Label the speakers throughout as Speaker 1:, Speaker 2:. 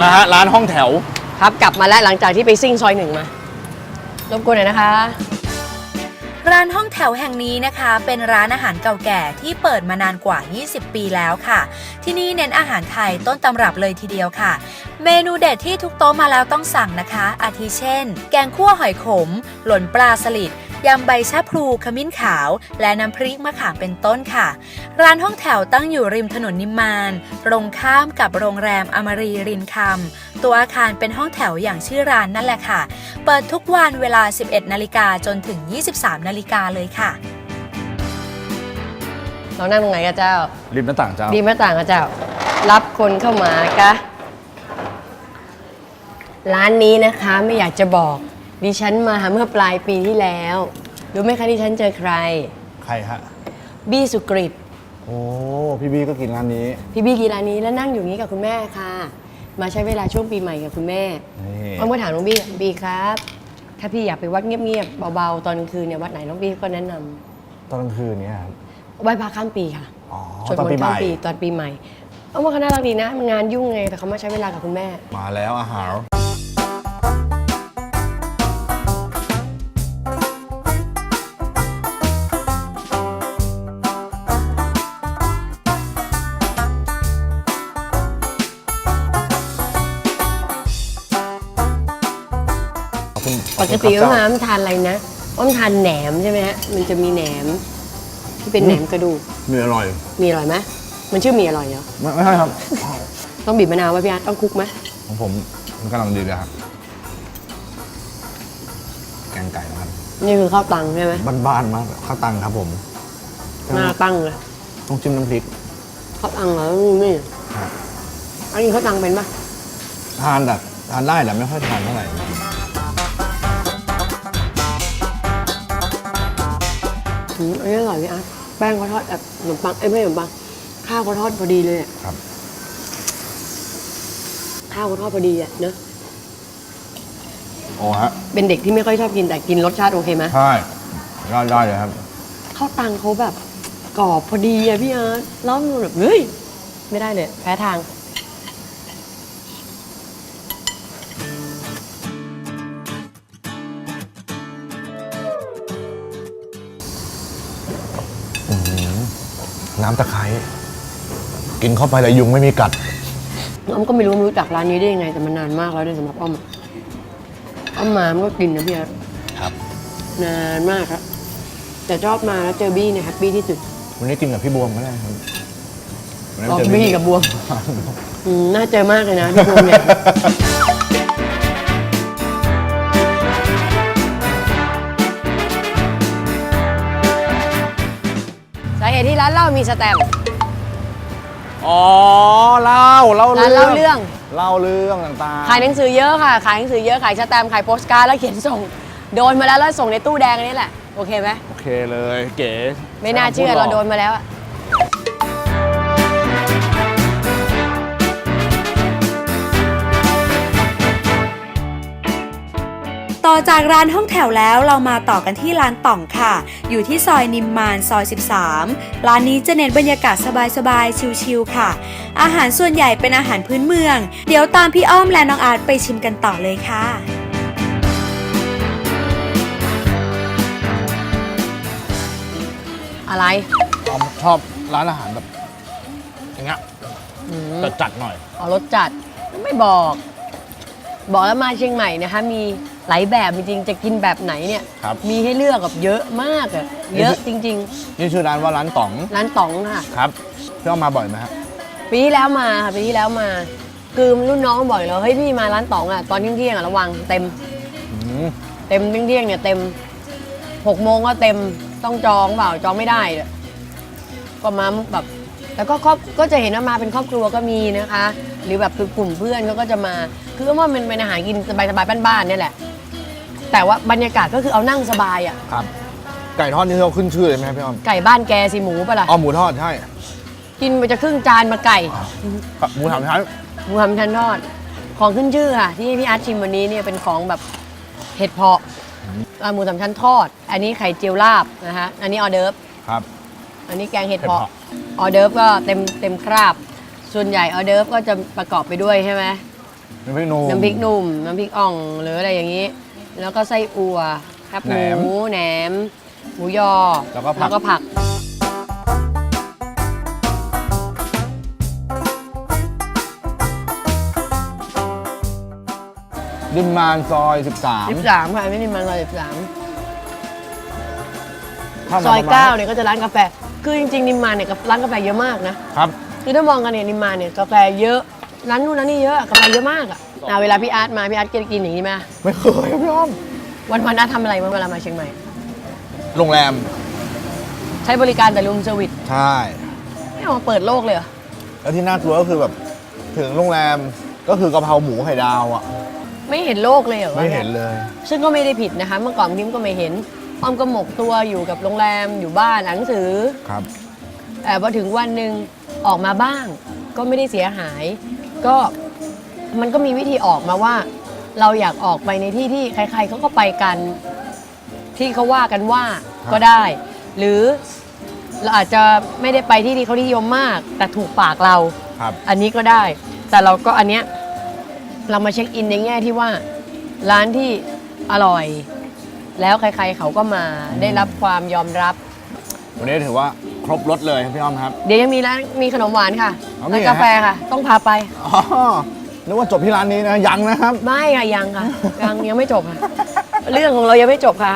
Speaker 1: นะฮะร้านห้องแถว
Speaker 2: ครับกลับมาแล้วหลังจากที่ไปซิ่งซอย1มารบกวนหน่อยนะคะ
Speaker 3: ร้านห้องแถวแห่งนี้นะคะเป็นร้านอาหารเก่าแก่ที่เปิดมานานกว่า 20 ปีแล้วค่ะที่นี่เน้นอาหารไทยต้นตำรับเลยทีเดียวค่ะเมนูเด็ดที่ทุกโต๊ะมาแล้วต้องสั่งนะคะอาทิเช่นแกงคั่วหอยขมหล่นปลาสลิดยำใบชะพลูขมิ้นขาวและน้ำพริกมะขามเป็นต้นค่ะร้านห้องแถวตั้งอยู่ริมถนนนิมมานตรงข้ามกับโรงแรมอมรีรินคำตัวอาคารเป็นห้องแถวอย่างชื่อร้านนั่นแหละค่ะเปิดทุกวันเวลา 11 นาฬิกาจนถึง 23 นาฬิกาเลยค่ะ
Speaker 2: เรานั่งตรงไหนกันเจ้า
Speaker 1: ริมหน้าต่างเจ้า
Speaker 2: ริมหน้าต่างกันเจ้ารับคนเข้ามากะร้านนี้นะคะไม่อยากจะบอกดิฉันมาเมื่อปลายปีที่แล้วรู้ไหมคะดิฉันเจอใคร
Speaker 1: ใครฮะ
Speaker 2: บี้สุกฤต
Speaker 1: โอ้พี่บี้ก็กินร้านนี้
Speaker 2: พี่บี้กินร้านนี้แล้วนั่งอยู่นี้กับคุณแม่ค่ะมาใช้เวลาช่วงปีใหม่กับคุณแม่เอามาถามน้องบี้ครับถ้าพี่อยากไปวัดเงียบๆเบาๆตอนกลางคืนเนี่ยวัดไหนน้องบี้ก็แนะน
Speaker 1: ำตอนกลางคืนเนี่ยครับ
Speaker 2: ไหว้พระข้ามปีค่ะ
Speaker 1: ชวนคนข้ามปี
Speaker 2: ตอนปีใหม่เอาว่าเขาน่ารักดีนะมันงานยุ่งไงแต่เขามาใช้เวลากับคุณแม่
Speaker 1: มาแล้วอาหาร
Speaker 2: ปกติอ้อมทานอะไรนะอ้อมทานแหนมใช่ไหมฮะมันจะมีแหนมที่เป็นแหนมกระดูก
Speaker 1: มีอร่อย
Speaker 2: ไหมมันชื่อมีอร่อยเหรอ
Speaker 1: ไม่ใช่ครับ
Speaker 2: ต้องบีบมะนาวไว้พี่อาร์ตต้องคลุกไหม
Speaker 1: ของผมมันกำลังดีเลยครับแกงไก่นะครับ
Speaker 2: นี่คือข้าวตังใช่ไหม
Speaker 1: บ้านๆมากข้าวตังครับผม
Speaker 2: หน้าตั้งเลย
Speaker 1: ต้องจิ้มน้ำพริก
Speaker 2: ข้าวตังเหรอนี่อันนี้ข้าวตังเป็นปะ
Speaker 1: ทานได้แต่ไม่ค่อยทานเท่าไหร่
Speaker 2: อันนี้อร่อยพี่อาร์ตแป้งเขาทอดแบบขนมปังไม่ขนมปังข้าวเขาทอดพอดีเลย
Speaker 1: ครับ
Speaker 2: ข้าวเขาทอดพอดีอ่ะเนอะ
Speaker 1: โอ้ฮะ
Speaker 2: เป็นเด็กที่ไม่ค่อยชอบกินแต่กินรสชาติโอเคไหม
Speaker 1: ใช่ได้เลยครับ
Speaker 2: ข้าวตังเขาแบบกรอบพอดีอะพี่อาร์ตแล้วมันแบบเฮ้ยไม่ได้เลยแพ้ทาง
Speaker 1: น้ำตะไคร้กินเข้าไปแล้วยุงไม่มีกัด
Speaker 2: อ้อมก็ไม่รู้จักร้านนี้ได้ยังไงแต่มันนานมากแล้วด้วยสำหรับอ้อมมามันก็กินนะพี่อาร์ต
Speaker 1: ครับ
Speaker 2: นานมากครับแต่ชอบมาแล้วเจอบี้เนี่ยแฮปปี้ที่สุด
Speaker 1: วันนี้กินกับพี่บวมก็ได้ครับ
Speaker 2: บี้กับบวมน่าเจอมากเลยนะพี่บวมเนี่ยสาเหตุที่ร้านเล่ามีสแตมป์
Speaker 1: อ๋อเล่าเรื่องต่างๆ
Speaker 2: ขายหนังสือเยอะค่ะขายหนังสือเยอะขายสแตมป์ขายโปสการ์ดแล้วเขียนส่งโดนมาแล้วส่งในตู้แดงนี่แหละโอเคไหม
Speaker 1: โอเคเลยเก๋
Speaker 2: ไม่น่าเชื่อเราโดนมาแล้วอะ
Speaker 3: ต่อจากร้านห้องแถวแล้วเรามาต่อกันที่ร้านต่องค่ะอยู่ที่ซอยนิมมานซอย 13ร้านนี้จะเน้นบรรยากาศสบายๆชิลๆค่ะอาหารส่วนใหญ่เป็นอาหารพื้นเมืองเดี๋ยวตามพี่อ้อมและน้องอาร์ตไปชิมกันต่อเลยค่ะ
Speaker 2: อะไร
Speaker 1: ชอบร้านอาหารแบบอย่างเงี้ยจัดหน่อย
Speaker 2: รสจัดไม่บอกแล้วมาเชียงใหม่นะคะมีหลายแบบจริงๆจะกินแบบไหนเนี่ยมีให้เลือกแบบเยอะมากอะเยอะจริง
Speaker 1: ๆนี่ชื่อร้านว่าร้านต๋อง
Speaker 2: ค่ะ
Speaker 1: ครับพี่อ้อมมาบ่อยไหมครับ
Speaker 2: ปีที่แล้วมาค่ะปีที่แล้วมาคือรุ่นน้องบ่อยแล้วเฮ้ยพี่มาร้านต๋องอะตอนเที่ยงอะระวังเต็มเที่ยงเนี่ยเต็ม6 โมงก็เต็มต้องจองเปล่าจองไม่ได้ก็มาแบบแต่ก็จะเห็นว่ามาเป็นครอบครัวก็มีนะคะหรือแบบคือกลุ่มเพื่อนเขาก็จะมาคือว่ามันเป็นอาหารกินสบายๆบ้านๆเนี่ยแหละแต่ว่าบรรยากาศก็คือเอานั่งสบายอ่ะ
Speaker 1: ครับไก่ทอดนี่เราขึ้นชื่อเลยไหมพี่อ้อม
Speaker 2: ไก่บ้านแกสิหมูปะล่ะ
Speaker 1: หมูทอดใช่
Speaker 2: กินไปจะครึ่งจานมาไก่
Speaker 1: หมูสามชั้
Speaker 2: นทอดของขึ้นชื่อค่ะที่พี่อาร์ตชิมวันนี้เนี่ยเป็นของแบบเห็ดเพาะหมูสามชั้นทอดอันนี้ไข่เจียวลาบนะคะอันนี้ออเดิร์ฟ
Speaker 1: ครับ
Speaker 2: อันนี้แกงเห็ดเพาะออเดิร์ฟก็เต็มคราบส่วนใหญ่ออเดิร์ฟก็จะประกอบไปด้วยใช่ไหม
Speaker 1: น้ำพริกหนุ่ม
Speaker 2: น้ำพริกหนุ่มน้ำพริกอ่องหรืออะไรอย่างนี้ แล้วก็ไส้อั่วแคบห
Speaker 1: แหนม
Speaker 2: มูแหนม หมูยอ
Speaker 1: แล้วก็ผัก ดินมานซอย
Speaker 2: 13ค่ะไม่ได้มาซอย13
Speaker 1: 13
Speaker 2: ซอย9เนี่ยก็จะร้านกาแฟ คือจริงๆนิมมานเนี่ยร้านกาแฟเยอะมากนะครับ คือถ้ามองกันเนี่ยนิมมานเนี่ยกาแฟเยอะร้านนู้นร้านนี้เยอะกาแฟเยอะมากอ่ะเวลาพี่อาร์ตมาพี่อาร์ตกินอย่างนี้ไหม
Speaker 1: ไม่เคยครับพี่อ้อม
Speaker 2: วันอาร์ตทำอะไรเวลามาเชียงใหม่
Speaker 1: โรงแรม
Speaker 2: ใช้บริการแต่รูมเซอร์วิส
Speaker 1: ใช่
Speaker 2: ไม่เอามาเปิดโลกเลยเหรอ
Speaker 1: แล้วที่น่ากลัวก็คือแบบถึงโรงแรมก็คือกะเพราหมูไข่ดาวอ่ะ
Speaker 2: ไม่เห็นโลกเลยเหรอ
Speaker 1: ไม่เห็นเลย
Speaker 2: ซึ่งก็ไม่ได้ผิดนะคะ เมื่อก่อนพิมก็ไม่เห็นอ้อมก็หมกตัวอยู่กับโรงแรมอยู่บ้านอ่านหนังสือ
Speaker 1: ครับ
Speaker 2: แต่พอถึงวันหนึ่งออกมาบ้าง ก็ไม่ได้เสียหาย ก็มันก็มีวิธีออกมาว่า เราอยากออกไปในที่ที่ใครๆเขาก็ไปกัน ที่เขาว่ากันว่าก็ได้ หรือเราอาจจะไม่ได้ไปที่ที่เขานิยมมาก แต่ถูกปากเรา
Speaker 1: ครับ
Speaker 2: อันนี้ก็ได้ แต่เราก็อันเนี้ยเรามาเช็คอินในแง่ที่ว่า ร้านที่อร่อย แล้วใครๆเขาก็มาได้รับความยอมรับ
Speaker 1: วันนี้ถือว่าครบรถเลยครับพี่อ้อมครับ
Speaker 2: เดี๋ยวยังมีร้านมีขนมหวานค่ะ
Speaker 1: อ๋อมี
Speaker 2: ร้าน
Speaker 1: เหรอฮะ
Speaker 2: กาแฟค่ะ ต้องพาไป
Speaker 1: อ๋อนึกว่าจบที่ร้านนี้นะยังนะครับ
Speaker 2: ไม่ค่ะยังค่ะ ยังไม่จบค่ะ เรื่องของเรายังไม่จบค่ะ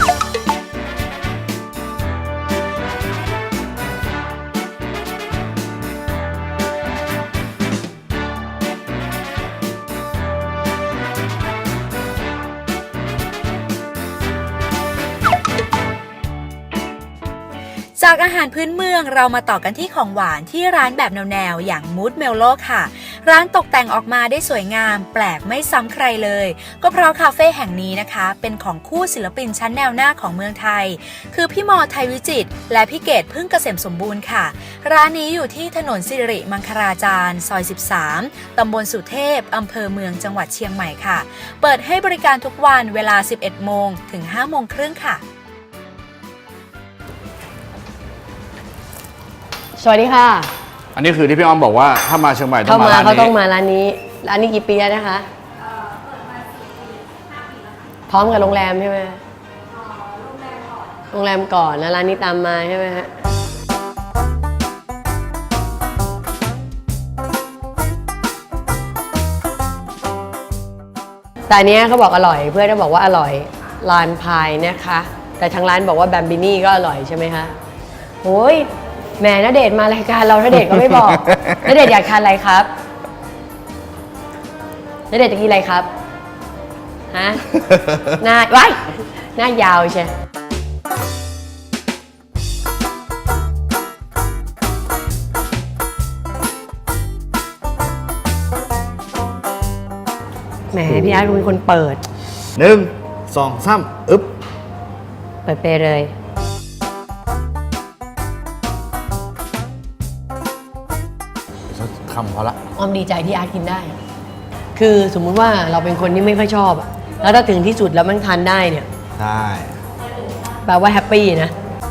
Speaker 3: จากอาหารพื้นเมืองเรามาต่อกันที่ของหวานที่ร้านแบบแนวๆอย่างมูดเมลโลค่ะร้านตกแต่งออกมาได้สวยงามแปลกไม่ซ้ำใครเลยก็เพราะคาเฟ่แห่งนี้นะคะเป็นของคู่ศิลปินชั้นแนวหน้าของเมืองไทยคือพี่มอไทยวิจิตรและพี่เกดพึ่งเกษมสมบูรณ์ค่ะร้านนี้อยู่ที่ถนนสิริมังคลาจารย์ซอย13ตำบลสุเทพอำเภอเมืองจังหวัดเชียงใหม่ค่ะเปิดให้บริการทุกวันเวลา 11 โมงถึง 5 โมงครึ่งค่ะ
Speaker 2: สวัสดีค่ะ
Speaker 1: อันนี้คือที่พี่อ้อมบอกว่าถ้ามาเชียงใหม่ต้
Speaker 2: เข้า
Speaker 1: องมา
Speaker 2: มา
Speaker 1: ร้าน
Speaker 2: เขา
Speaker 1: นี้
Speaker 2: ต้องมาร้านนี้ร้านนี้กี่ปีแล้วนะคะ พร้อมกับโรงแรมใช่ไหมโรงแรมก่อนแล้วร้านนี้ตามมาใช่ไหมฮะแต่อันเนี้ยเขาบอกอร่อยเพื่อนเขาบอกว่าอร่อยลานพายนะคะ แต่ทางร้านบอกว่าแบมบินี่ก็อร่อยใช่ไหมคะโอ้ยแหมณเดชน์มารายการเราณเดชน์ก็ไม่บอก ณเดชน์อยากทานอะไรครับณเดชน์จะกินอะไรครับฮะ หน้าว้ายหน้ายาวใช่แหมพี่อาร์ตเป็นคนเปิด
Speaker 1: 1 2 3อึ๊บ
Speaker 2: เปิดไปเลย
Speaker 1: คำพอละ
Speaker 2: ออมดีใจที่อาร์ตกินได้ คือสมมุติว่าเราเป็นคนที่ไม่ค่อยชอบอะแล้วถ้าถึงที่สุดแล้วมันทานได้เนี่ย
Speaker 1: ใช่
Speaker 2: แปลว่าแฮปปี้นะ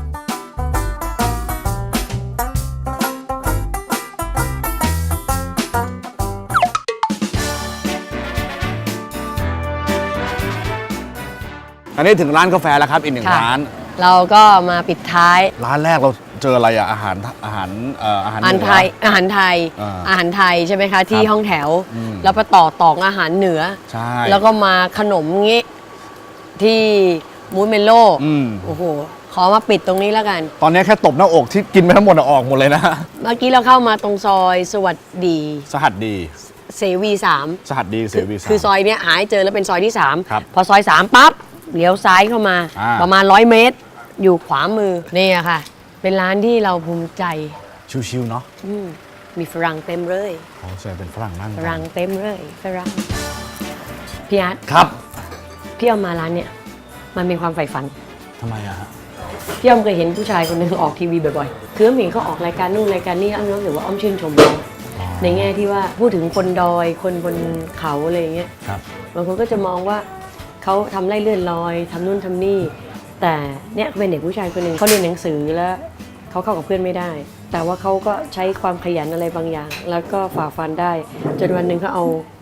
Speaker 1: อันนี้ถึงร้านกาแฟแล้วครับอีกหนึ่ง
Speaker 2: ค่ะ
Speaker 1: ร้าน
Speaker 2: เราก็มาปิดท้าย
Speaker 1: ร้านแรกเราเจออะไรอะอาหารอาหาร
Speaker 2: อาหาร
Speaker 1: เหนือ
Speaker 2: ไทยอาหารไทย
Speaker 1: อ่า
Speaker 2: อาหารไทยใช่ไหมคะที่
Speaker 1: ครับ
Speaker 2: ห้องแถว
Speaker 1: อืม
Speaker 2: แล้วไปต่ออาหารเหนือ
Speaker 1: ใช่
Speaker 2: แล้วก็มาขนมงี้ที่มูสเมลโล่
Speaker 1: อืม
Speaker 2: โอ้โห ขอมาปิดตรงนี้แล้วกัน
Speaker 1: ตอนนี้แค่ตบหน้าอกที่กินไปทั้งหมดอะออกหมดเลยนะ
Speaker 2: เมื่อกี้เราเข้ามาตรงซอยสวัสดี
Speaker 1: สหัสดี
Speaker 2: เสวี3
Speaker 1: สหัสดีเสวีสาม
Speaker 2: คือซอยเนี้ยหาให้เจอแล้วเป็นซอยที่
Speaker 1: ครับ
Speaker 2: 3 พอซอย 3 ปั๊บเลี้ยวซ้ายเข้ามา
Speaker 1: อ่า
Speaker 2: ประมาณ 100 เมตร อยู่ขวามือนี่อะค่ะ เป็นร้านที่เราภูมิใจ
Speaker 1: ชิวๆเนาะ
Speaker 2: อืมมีฝรั่งเต็มเลย
Speaker 1: อ๋อใช่เป็นฝรั่งนั่ง
Speaker 2: ฝรั่งเต็มเลยฝรั่งพี่อาร์ต
Speaker 1: ครับ
Speaker 2: พี่เอามาร้านเนี่ยมันเป็นความใฝ่ฝัน
Speaker 1: ทำไมอะฮะ
Speaker 2: พี่อ้อมเคยเห็นผู้ชายคนหนึงออกทีวีบ่อยๆคืออ้อมเห็นเขาออกรายการนู่นรายการนี่อ้อมรู้สึกว่าอ้อมชื่นชมเขาในแง่ที่ว่าพูดถึงคนดอยคนบนเขาอะไรอย่างเงี้ย
Speaker 1: ครับ
Speaker 2: บางคนก็จะมองว่าเขาทำไร่เลื่อนลอยทำนู่นทำนี่ แต่เนี่ยเป็นเด็กผู้ชายคนหนึ่งเขาเรียนหนังสือแล้วเขาเข้ากับเพื่อนไม่ได้ แต่ว่าเขาก็ใช้ความขยันอะไรบางอย่าง แล้วก็ฝ่าฟันได้จนวันหนึ่งเขาเอา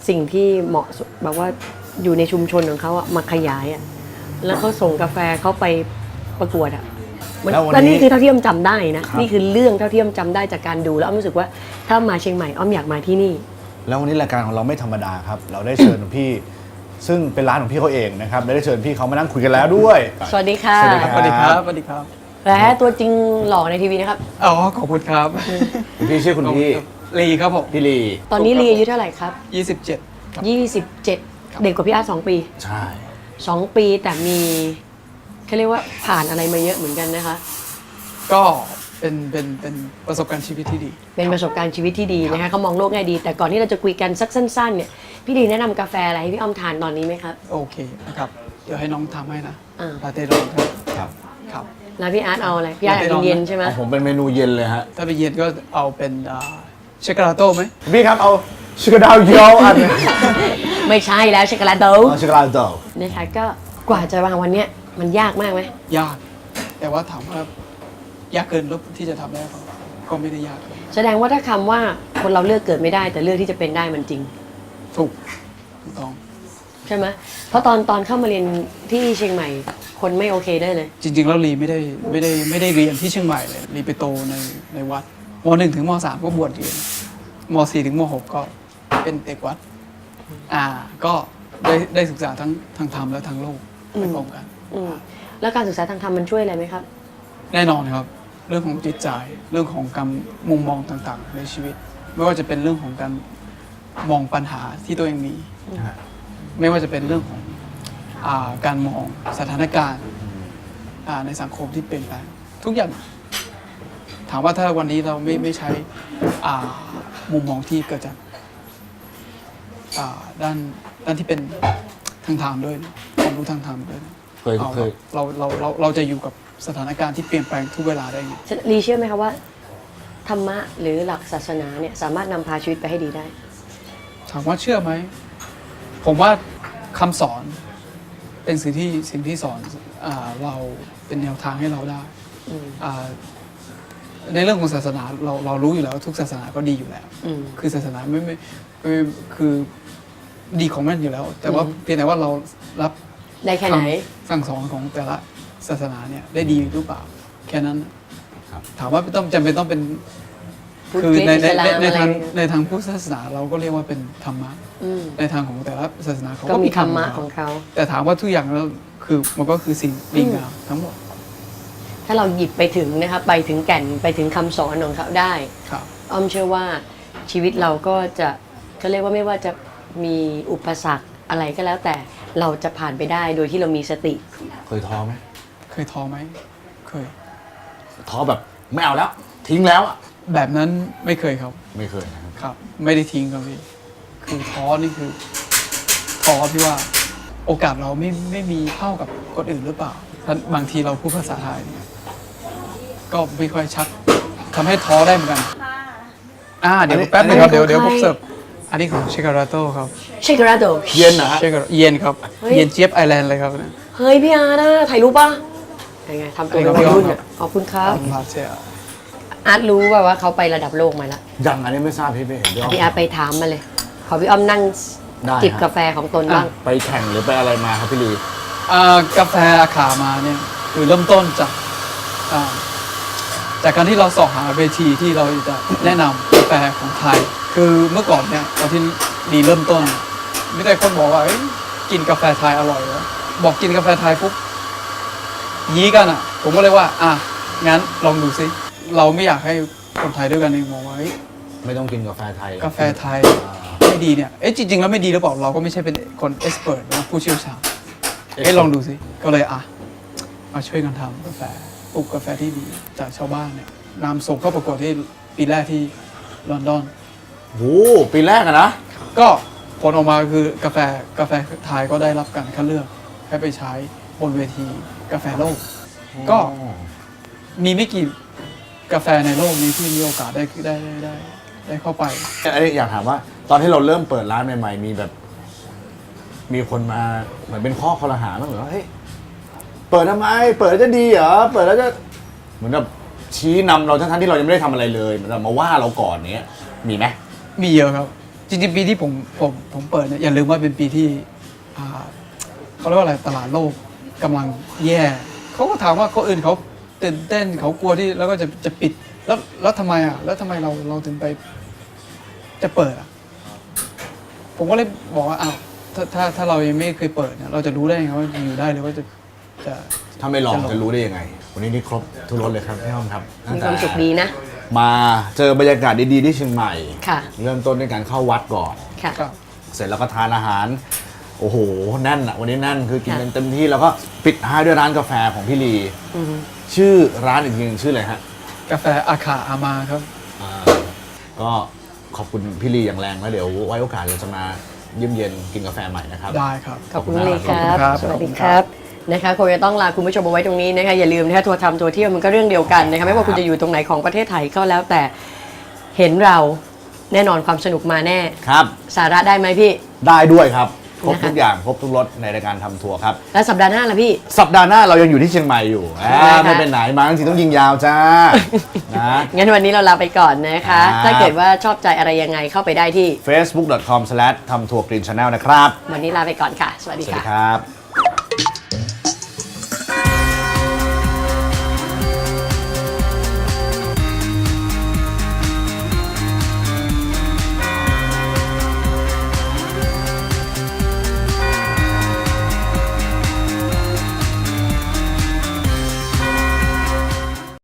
Speaker 2: สิ่งที่เหมาะสมแบบว่าอยู่ในชุมชนของเขาอะมาขยายอะแล้วเขาส่งกาแฟเขาไปประกวดอะแล้วนี่คือเท่าที่อ้อมจำได้นะนี่คือเรื่องเท่าที่อ้อมจำได้จากการดูแล้วอ้อมรู้สึกว่าถ้ามาเชียงใหม่อ้อมอยากมาที่นี่
Speaker 1: แล้ววันนี้รายการของเราไม่ธรรมดาครับ เราได้เชิญพี่ ซึ่งเป็นร้านของพี่เขาเองนะครับได้เชิญพี่เขามานั่งคุยกันแล้วด้วย
Speaker 2: สวัสดีค่ะ
Speaker 1: สวัสดีครับ
Speaker 4: สวัสดีครับสวัสดีครับ
Speaker 2: และตัวจริงหล่อในทีวีนะครับ
Speaker 4: อ๋อขอบคุณครับ
Speaker 1: คุณพี่ชื่อคุณพี่
Speaker 4: ลีครับผม
Speaker 1: พี่ลี
Speaker 2: ตอนนี้ลีอายุเท่าไหร่ครับ
Speaker 4: 27 ครับ
Speaker 2: 27 เด็กกว่าพี่อาร์ต2 ปี
Speaker 1: ใช่
Speaker 2: 2 ปีแต่มีเขาเรียกว่าผ่านอะไรมาเยอะเหมือนกันนะคะ
Speaker 4: ก็เป็นประสบการณ์ชีวิตที่ดี
Speaker 2: เป็นประสบการณ์ชีวิตที่ดีนะคะเขามองโลกแง่ดี แต่ก่อนที่เราจะคุยกันสักสั้นๆเนี่ยพี่ลีแนะนำกาแฟอะไรให้พี่อ้อมทานตอนนี้ไหมครับ
Speaker 4: โอเคนะครับ เดี๋ยวให้น้องทำให้นะ
Speaker 2: อ่า
Speaker 4: ลาเต้ร้อนครับ
Speaker 1: ครับ
Speaker 4: ครับ
Speaker 2: แล้วพี่อาร์ตเอาอะไรพี่อาร์ตอยากกินเย็นใช่ไหม
Speaker 1: ของผมเป็นเมนูเย็นเลยฮะ
Speaker 4: ถ้าไปเย็นก็เอาเป็นเชคกาลาโต้ไหม
Speaker 1: พี่ครับเอาชิคกี้ดาวเยลอัน
Speaker 2: ไม่ใช่แล้วช็อกโกแลตโด
Speaker 1: เอาชิคกี้ดาวเดล
Speaker 2: นะคะก็กว่าจะวางวันเนี้ยมันยากมากไหม
Speaker 4: ยาก แต่ว่าถามว่ายากเกินที่จะทำได้ก็ไม่ได้ยาก
Speaker 2: แสดงว่าถ้าคำว่าคนเราเลือกเกิดไม่ได้แต่เลือกที่จะเป็นได้มันจริง
Speaker 4: ถูกต้อง
Speaker 2: ใช่ไหมเพราะตอนเข้ามาเรียนที่เชียงใหม่คนไม่โอเคได้เลย
Speaker 4: จริงๆแล้วลีไม่ได้เรียนที่เชียงใหม่เลยลีไปโตในวัดม .1 ถึงม .3 ก็บวชเรียนม .4 ถึงม .6 ก็เป็นเด็กวัดก็ได้ศึกษาทั้งทางธรรมและทางโลกไปพร้อมกัน
Speaker 2: อืมแล้วการศึกษาทางธรรมมันช่วยอะไรไหมครับ
Speaker 4: แน่นอนครับ เรื่องของจิตใจเรื่องของการมุมมองต่างๆ ในชีวิต ไม่ว่าจะเป็นเรื่องของการมองปัญหาที่ตัวเองมี ไม่ว่าจะเป็นเรื่องของการมองสถานการณ์ในสังคมที่เปลี่ยนแปลงทุกอย่าง ถามว่าถ้าวันนี้เราไม่ใช้มุมมองที่เกิดจากด้านที่เป็นทางธรรมด้วยนะความรู้ทางธรรมด้วยนะ
Speaker 1: เคย
Speaker 4: เราจะอยู่กับสถานการณ์ที่เปลี่ยนแปลงทุกเวลาได้ไง
Speaker 2: ลีเชื่อไหมคะว่าธรรมะหรือหลักศาสนาเนี่ยสามารถนำพาชีวิตไปให้ดีได้
Speaker 4: ถามว่าเชื่อไหมผมว่าคำสอนเป็นสิ่งที่สอนเราเป็นแนวทางให้เราได้
Speaker 2: อืม
Speaker 4: ในเรื่องของศาสนาเรารู้อยู่แล้วทุกศาสนาก็ดีอยู่แล้ว
Speaker 2: อืม
Speaker 4: คือศาสนาไม่คือดีของมันอยู่แล้ว แต่ว่าเพียงแต่ว่าเรารับ
Speaker 2: ได้แค่ไหน
Speaker 4: คำสั่งสอนของแต่ละศาสนาเนี่ยได้ดีหรือเปล่าแค่นั้น
Speaker 1: ครับ
Speaker 4: ถามว่าต้องจำเป็นต้องเป็น
Speaker 2: พุทธ
Speaker 4: คือใน
Speaker 2: อิสลาม
Speaker 4: ในทาง
Speaker 2: อะไร
Speaker 4: ในทางพุทธศาสนาเราก็เรียกว่าเป็นธรรมะ
Speaker 2: อืม
Speaker 4: ในทางของแต่ละศาสนาเขา
Speaker 2: ก็
Speaker 4: ก็
Speaker 2: มี
Speaker 4: มี
Speaker 2: ธรรมะ
Speaker 4: ข
Speaker 2: ของเขา
Speaker 4: แต่ถามว่าทุกอย่างแล้วคือมันก็คือสิ่งดีงามทั้งหมด
Speaker 2: ถ้าเราหยิบไปถึงนะคะไปถึงแก่นไปถึงคำสอนของเขาได้
Speaker 4: ครับ
Speaker 2: อ้อมเชื่อว่าชีวิตเราก็จะเขาเรียกว่าไม่ว่าจะมีอุปสรรคอะไรก็แล้วแต่เราจะผ่านไปได้โดยที่เรามีสติ
Speaker 1: เคยท้อไหม
Speaker 4: เคยท้อไหมเคย
Speaker 1: ท้อแบบไม่เอาแล้ว ทิ้งแล้วอะ
Speaker 4: แบบนั้นไม่เคยครับ
Speaker 1: ไม่เคยนะครับ
Speaker 4: ครับ ไม่ได้ทิ้งครับพี่คือท้อนี่คือท้อที่ว่าโอกาสเราไม่มีเท่ากับคนอื่นหรือเปล่าบางทีเราพูดภาษาไทยเนี่ยก็ไม่ค่อยชัดทำให้ท้อได้เหมือนกันเดี๋ยวแป๊บนึงครับเดี๋ยวผมเสิร์ฟอันนี้ของเชคาราโต้ครับ
Speaker 2: เชคกราโด
Speaker 1: เย็นนะฮะ
Speaker 4: เชคาเย็นครับ
Speaker 2: เฮ้ย
Speaker 4: เย็นเจี๊ยบไอแลนด์เลยครับเนี่ย
Speaker 2: เฮ้ยพี่อาร์นะถ่ายรูปป่ะยังไงทำตัวเป็นวัยรุ่นอ่ะขอบคุณครับ
Speaker 4: ลาเซีย
Speaker 2: อาร์ตรู้ว่าเขาไประดับโลกมาแล้ว
Speaker 1: ยังอันนี้ไม่ทราบพี่ไม่เห็นด้วย
Speaker 2: พี่อาร์ตไปถามมาเลย ขอพี่อ้อมนั่ง
Speaker 1: ได้
Speaker 2: จิบ
Speaker 1: ฮะ
Speaker 2: กาแฟของตนบ้าง
Speaker 1: ไปแข่งหรือไปอะไรมาครับพี่ลี
Speaker 4: กาแฟอาขามาเนี่ยคือเริ่มต้นจากการที่เราสอบหาเวทีที่เราจะแนะนำกาแฟของไทย คือเมื่อก่อนเนี่ยตอนที่ดีเริ่มต้นไม่ได้คนบอกว่าเอ้ยกินกาแฟไทยอร่อยแล้วบอกกินกาแฟไทยปุ๊บยี้กันอ่ะ ผมก็เลยว่างั้นลองดูซิเราไม่อยากให้คนไทยด้วยกันเองมองว่าเฮ้ย
Speaker 1: ไม่ต้องกินกาแฟไทย
Speaker 4: กาแฟไทยไม่ดีเนี่ยจริงๆแล้วไม่ดีหรือเปล่าเราก็ไม่ใช่เป็นคนเอ็กซ์เพรสนะผู้เชี่ยวชาญลองดูซิก็เลยมาช่วยกันทำกาแฟปลูกกาแฟที่ดีจากชาวบ้านเนี่ยนำส่งเข้าประกวดที่ปีแรกที่ลอนดอน
Speaker 1: โอ้ปีแรกอะนะ
Speaker 4: ก็ผลออกมาคือกาแฟไทยก็ได้รับการคัดเลือกให้ไปใช้บนเวทีกาแฟโลก ก็มีไม่กี่กาแฟในโลกนี้ที่มีโอกาสได้เข้าไป
Speaker 1: อันนี้อยากถามว่า ตอนที่เราเริ่มเปิดร้านใหม่ๆมีแบบ มีคนมาเหมือนเป็นข้อคอรหาบ้างเหรอว่าเฮ้ยเปิดทำไม เปิดแล้วจะดีเหรอเปิดแล้วจะเหมือนกับชี้นำเราทั้งๆที่เรายังไม่ได้ทำอะไรเลยเหมือนกับมาว่าเราก่อนเนี้ยมีไหม
Speaker 4: มีเยอะครับ จริงๆปีที่ผมเปิดเนี่ยอย่าลืมว่าเป็นปีที่เขาเรียกว่าอะไรตลาดโลกกำลังแย่เขาก็ถามว่าคนอื่นเขาตื่นเต้นเขากลัวที่แล้วก็จะปิดแล้วทำไมอ่ะแล้วทำไมเราถึงไปจะเปิดอ่ะผมก็เลยบอกว่าอ้าวถ้าเรายังไม่เคยเปิดเนี่ยเราจะรู้ได้ยังไงว่าจะอยู่ได้หรือว่าจะ
Speaker 1: ถ้าไม่ลองจะรู้ได้ยังไง วันนี้นี่ครบทุกรสเลยครับพี่อ้อมครับ
Speaker 2: มีความสุขดีนะ
Speaker 1: มาเจอบรรยากาศดีๆที่เชียงใหม่
Speaker 2: ค่ะ
Speaker 1: เริ่มต้นด้วยการเข้าวัดก่อน
Speaker 2: ค่ะ
Speaker 4: ครับ
Speaker 1: เสร็จแล้วก็ทานอาหาร โอ้โหแน่นอะวันนี้แน่นคือกินกันเต็มที่แล้วก็ปิดท้ายด้วยร้านกาแฟของพี่ลี
Speaker 2: อือฮึ
Speaker 1: ชื่อร้านอีกทีหนึงชื่ออะไรฮะ
Speaker 4: กาแฟอาคาอามาครับ
Speaker 1: อ่าก็ขอบคุณพี่ลีอย่างแรงแล้วเดี๋ยวไว้โอกาสเราจะมาเยี่ยมเยียนกินกาแฟใหม่นะครับ
Speaker 4: ได้ครับ
Speaker 2: ขอบคุณเลยค
Speaker 1: ขอบคุณ
Speaker 2: รับ
Speaker 1: ครับ
Speaker 2: สวัสดีครับนะคะคงจะต้องลาคุณผู้ชมเอาไว้ตรงนี้นะคะอย่าลืมนะคะทัวร์ทำทัวร์เที่ยวมันก็เรื่องเดียวกันนะคะไม่ว่าคุณจะอยู่ตรงไหนของประเทศไทยก็แล้วแต่เห็นเราแน่นอนความสนุกมาแน่
Speaker 1: ครับ
Speaker 2: สาระได้ไหมพี่
Speaker 1: ได้ด้วยครับ ครบ
Speaker 2: นะคะ
Speaker 1: ทุกอย่างครบทุกรสในรายการทำทัวร์ครับ
Speaker 2: แล้วสัปดาห์หน้าล่ะพี่
Speaker 1: สัปดาห์หน้าเรายังอยู่ที่เชียงใหม่อยู่
Speaker 2: นะคะ
Speaker 1: ไม่เป็นไหนมาทั้งทีต้องยิงยาวจ้า นะ
Speaker 2: งั้นวันนี้เราลาไปก่อนนะคะ
Speaker 1: ครับ
Speaker 2: ถ้าเกิดว่าชอบใจอะไรยังไงเข้าไปได้ที่
Speaker 1: facebook.com/ทำทัวร์กรีนชาแนลนะครับ
Speaker 2: วันนี้ลาไปก่อนค่ะ สวัสดี
Speaker 1: สวัสดี
Speaker 2: ค่ะ
Speaker 1: ครับ